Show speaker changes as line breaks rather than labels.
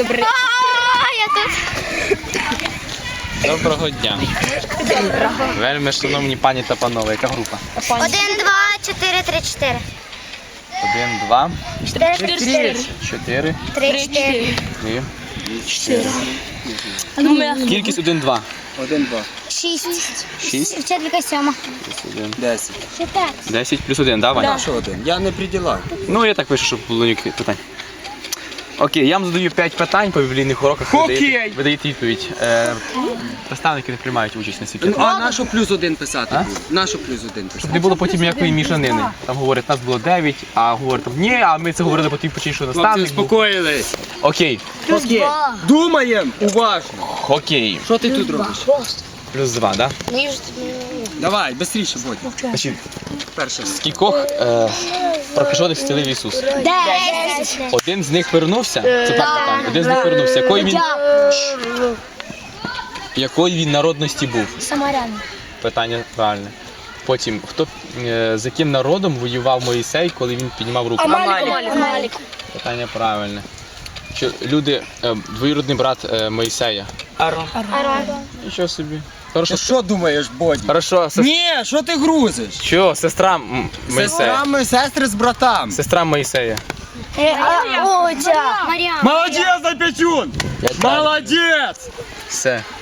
Добре.
Я тут.
Доброго дня. Вельми шановні пані та панове, яка група?
1, 2, 4, 3, 4.
1, 2,
4,
4
3, 4.
і 4. Кількість 1, 2.
1, 2.
6.
6
Вчителька 7.
плюс 1.
10.
10 плюс 1, да, Ваня?
Що 1? Я не при ділах.
Ну, я так пишу, щоб було ніяких питань. Окей, я вам задаю 5 питань по біблійних уроках. Ви даєте відповідь. Наставники не приймають участь на цих питаннях.
А на що плюс 1 писати буде? На що плюс 1 писати?
Щоб не було потім ніякої мішанини. Там говорять, нас було 9, а говорять, там, ні, а ми це говорили по тій причині, що
Хлопці,
наставник був.
успокоїлись.
Окей,
Окей. Думаємо уважно.
окей.
Що ти тут робиш?
Плюс 2, да?
Давай, швидше, Бодя.
Значить,
Перше.
скількох прокажених зцілив Ісус?
10.
Один з них вернувся? Це так питання. Один з них вернувся. Якої він народності був?
Самарян.
Питання правильне. Потім, з яким народом воював Моїсей, коли він піднімав руку?
Амалік.
Питання правильне. Двоюродний брат Моїсея.
Арон.
Нічого собі. Хорошо.
Ти що думаєш, Бодя?
Хорошо,
Ні, що ти грузиш?
Що, сестра Моїсея?
Сестри з братам.
Сестра Моїсея.
Маріан.
Молодець, Запечун! Молодець!
Все.